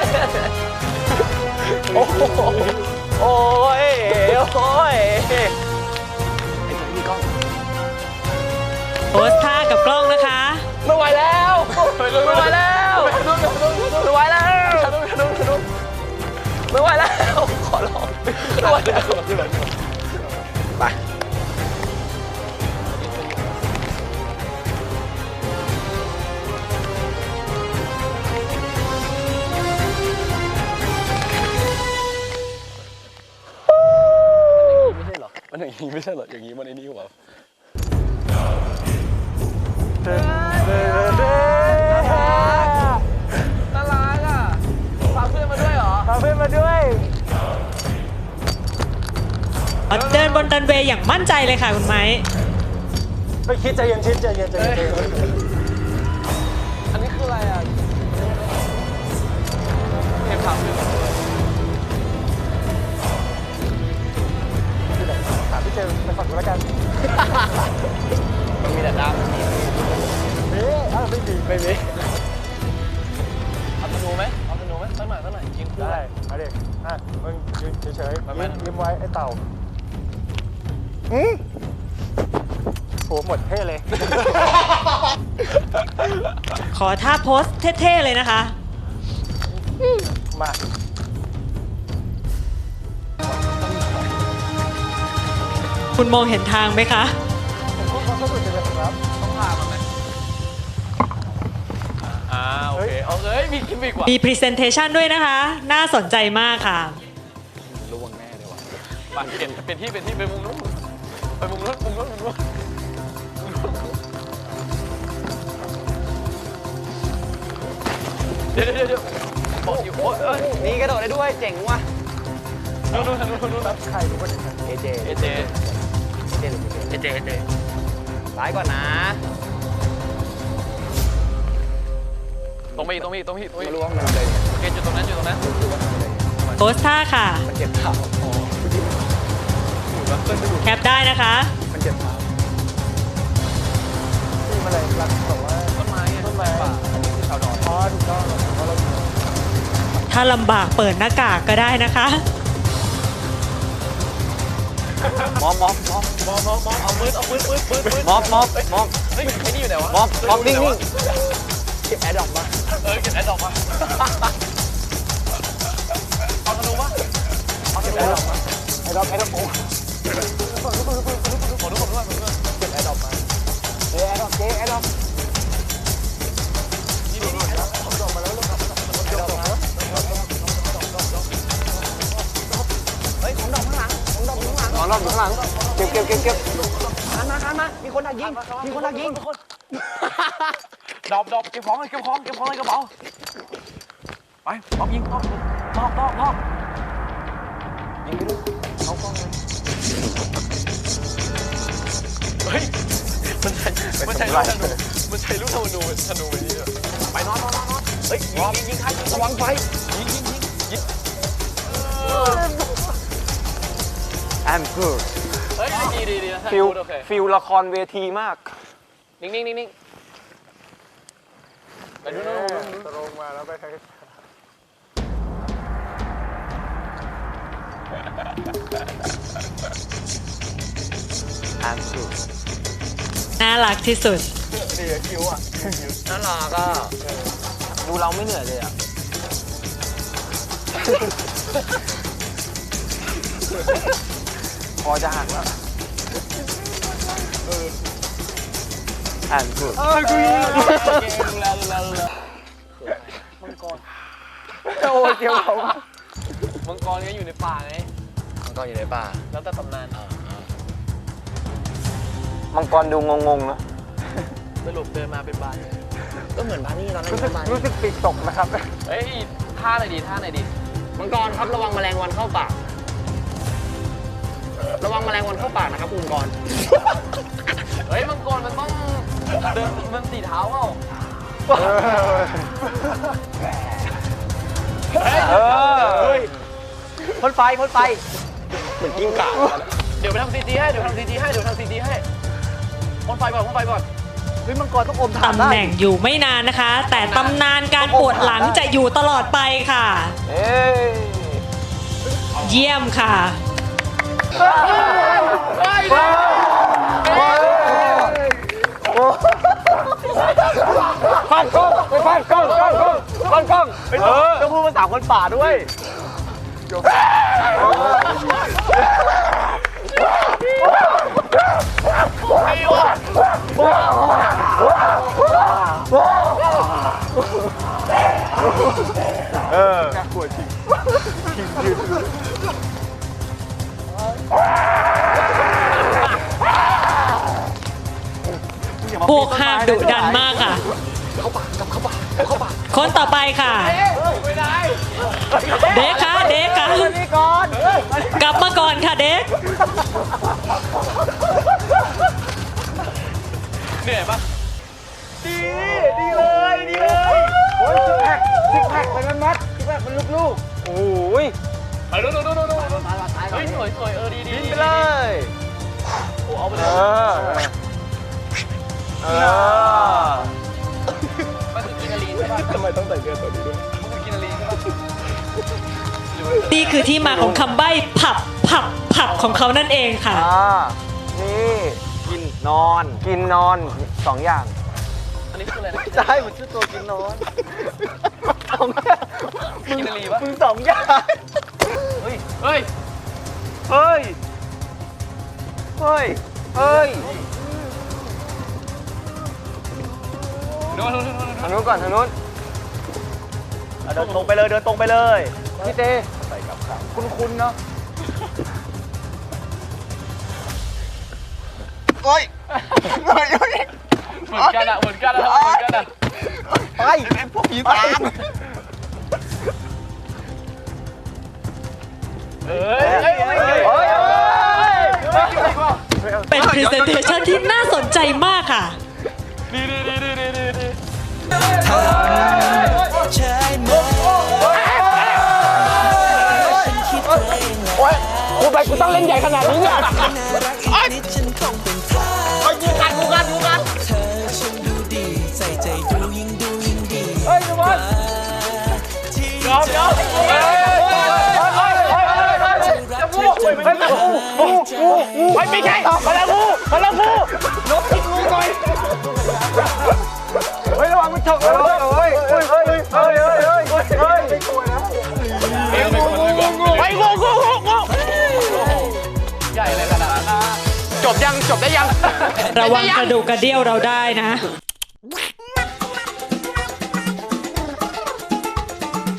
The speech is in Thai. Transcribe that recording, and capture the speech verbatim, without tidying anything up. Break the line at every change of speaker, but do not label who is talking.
โอ้โอ้ยโอ้ยมีกล้อง
โพสท่ากับกล้องนะคะ
ไม่ไหวแล้วไม่ไหวแล้วไม่ไหวแล้วไม่ไหวแล้วขอร้องไม่ไหวแล้วไปมันอย่างนี้ไม่ใช่หรออย่างนี้มันไอ้นี่หรอน่ารักอ่ะพาเพื่อนมาด้วยเหรอพาเพื่อนมาด้วย
เดินบนรันเวย์อย่างมั่นใจเลยค่ะคุณไม้
ไม่คิดใจเย็นชิดใจเย็นใจเย็น
อันนี้คืออะไรอ่ะเทปพาเพื่อนมาด้วย
ถามพี่เจมไปฝันกันแล้วกัน
มันมีแต่ดาวมันมี
เอ๊ะอ้าวไม่มี
ไม่มีเอาธนูไหมเอาธนูไหมตั้งหน่อยตั้งหน่อยยิงคู่
ได้มาดิอ่ะมึงยืนเฉยๆ
มาไหม
ยิ้มยิ้มไว้ไอ้เต่าอืมโหหมดเท่เลย
ขอท่าโพสเท่ๆเลยนะคะ
มา
คุณมองเห็นทางไหมคะ
ผมพูดความรู้สึกจะเป็นครับ
ต้องพามันไหมอ่าโอเคเอาเลยมีกิมมิกว่ะ
มี Presentation ด้วยนะคะ น่าสนใจมากค่ะ
ล่วงแน่เลยว่ะไปเปลี่ยนเปลี่ยนที่เปลี่ยนที่ไปมุมนู้นไปมุมนู้นมุมนู้นมุมนู้นเดี๋ยวเดี๋ยวเดี๋ยวบอกอยู่โอ้ยเอ้ยนี่กระโดดได้ด้วยเจ๋งว่ะนู้นนู้นนู้นนู้น
ใครรู้ว่าอย่างไร
เอเจเอเจเอเจเอเจเอเจซ้ายก่อนนะตรงไปอีกตรงไปอีกตรงไปอีกตรงไปอีกไม่รู้ว่ามันเลยโอเคจุดตรงนั้นจุดตรงนั้น
โพสท่าค่ะ
มันเจ็บเท้าอ๋อมันเจ็บเท้า
แคปได้นะคะ
มันเจ็บเท้า
ที่มาเลยรักบอกว่า
ต้นไม้ไงต้นไม้ป่าอันนี้คือชาวดอน
อ๋อถูกต้องเพราะเรา
ถ้าลำบากเปิดหน้ากากก็ได้นะคะ
มอบมอบมอบมอบมอบมอบเอามือเอามือมือมือมือมอบมอบมอบเฮ้ยไอ้นี่อยู่ไหนวะมอบมอบนิ่งนิ่งเก็บแอร์ดรอปมาเออเก็บแอร์ดรอปมาเอาธนูมาเอาธนูมา
ไอ้ดอกไอ้ดอกโอ้
ขอดูขอดูขอดูขอดูขอดูเก็บแอร์ดรอปมา
เจ๊ไอ้ดอกเจ๊ไอ้ดอก
นี่นี่นี่แอร์ดรอป
ดอกมาแล้วลูกครับ
แอร์ดรอปมาเฮ้ยของดอกข้างหลังของดอกข้างหลังของดอกข้างหลังเก็บเก็บเก็บเก็บหันมาหันมามีคนดักยิงมีคนดักยิงดอกดอกเก็บของเลยเก็บของเก็บของเลยกระเป๋าไปมอบยิงมอบมอบมอบมอบยิงไปดูเขากล้องเลยเฮ้ยมันใช่มันใช่ลูกธนูมันใช่ลูกธนูธนูไปนี่ไปนอนนอนนอนเฮ้ยยิงยิงยิงใครระวังไฟยิงยิงยิงยิง
I'm good
เฮ้ยดีดีดีนะ
ฟิล
โอเค
ฟิลละครเวทีมาก
นิ่งนิ่งนิ่งนิ่งไปดูนู่น
ตรงมาแล้วไปใคร
I'm good
น่ารักที่สุด
ดีคิวอ่ะ
น่ารักอ่ะ
ดูเราไม่เหนื่อยเลยอ่ะ พอจะหักแล้ว I'm good
เออกูยิงดูแลดูแลดูแลมังกร
โอ้เกี่ยวเขา
มังกรก็อยู่ในป่าไง
มังกรอยู่ในป่า
แล้วแต่ตำนาน
มังกรดูงงๆนะ
สรุปเดินมาเป็นบานเลย
ก็เหมือนบานี่ตอนนั้น
รู้สึกรู้สึกปีกตกนะครับ
เฮ้ยท่าไหนดีท่าไหนดี
มังกรครับระวังแมลงวันเข้าปาก ระวังแมลงวันเข้าปากนะครับคุณมังกร
เฮ้ยมังกรมันต้องเดินมันสีเท้าเปล่า
เออเฮ้ยพ่นไฟพ่นไฟ
เหมือนกิ้งก่าเดี๋ยวไปทำซีจีให้เดี๋ยวทำซีจีให้เดี๋ยวทำซีจีให้พ่นไฟก่อนพ่นไฟก่อน
ฮ้ยมังกรต้องอมถ่าน
ตำ
ได้
แหน่งอยู่ไม่นานนะคะ แต่ตำนานการปวดหลังจะอยู่ตลอดไปค่ะ
เอ้ย
เยี่ยมค่ะ
ฟาดกล้องไปฟาดกล้องกล้องกล้องกล้องกล้อง
เออต้องพูดภาษาคนป่าด้วย
พวกห้ามดุดันมากค่ะ คนต่อไปค่ะ เด็กค่ะ เด็กค่ะ กลับมาก่อนค่ะเด็ก
เหนื่อยปะดี ดีเลย ดีเลย
โอ้ยซิกแพคซิกแพคเป็นมันมัดซิกแพคเป็นลูก
โอ้ยไปดูดูดูดูดูเฮ้ยสวยสวยเออดีดีไปเลยโอ้เอาไปเลยเออมันคือกินนาลีใช่ป่ะทำไมต้องใส่เสื้อตัวนี้ด้วยมันคือกินนาลีใช่ป่ะ
นี่คือที่มาของคำใบ้ผับผับผับของเขานั่นเองค่ะ
อ่านี่กินนอนกินนอนสองอย่าง
อันนี้คืออะไรนะ
ๆใช่มันชื่อตัวกินนอนสอง
กินนาลีปะ
มึงสองอย่าง
เฮ้ย เฮ้ย
เฮ้ยเฮ้ยเฮ้ย
ดูดูดูดู
ทางนู้นก่อนทางนู้น
เดินตรงไปเลยเดินตรงไปเลย
พี่เต้คุ้นๆเนาะ
โอ้ย
เหมือนกันอะเหมือนกันอะเหมือนกันอะ
ไปไอ้พวกผีตาม
เอ้ยเอ้ยเอ้ยเอ้ยเอ้ย
เป็น presentation ที่น่าสนใจมากค่ะ
ดีดีดีดีดีดี
โอ้ยกูไปกูต้องเล่นใหญ่ขนาดนี้เนี่ย
ไอ้กูกันกูกันกูกัน
เฮ้ยทุกคน
ยอมยอมเฮ้ย
งูเป็นงูงูงูงูไม่ไม่ใช่มาแล้วงูมาแล้วงูนกกินงูหน่อยเฮ้ยระวังมันฉกเลยเฮ้ยเฮ้ยเฮ้ยเฮ้ยเฮ้ยเฮ้ยเฮ้ยเฮ้ยไม่กลัวนะ
งูงูงูงู
ไปงูงูงูงู
ใหญ่เลยขนาดนั้น
จบยังจบได้ยัง
ระวังกระดูกกระเดี่ยวเราได้นะ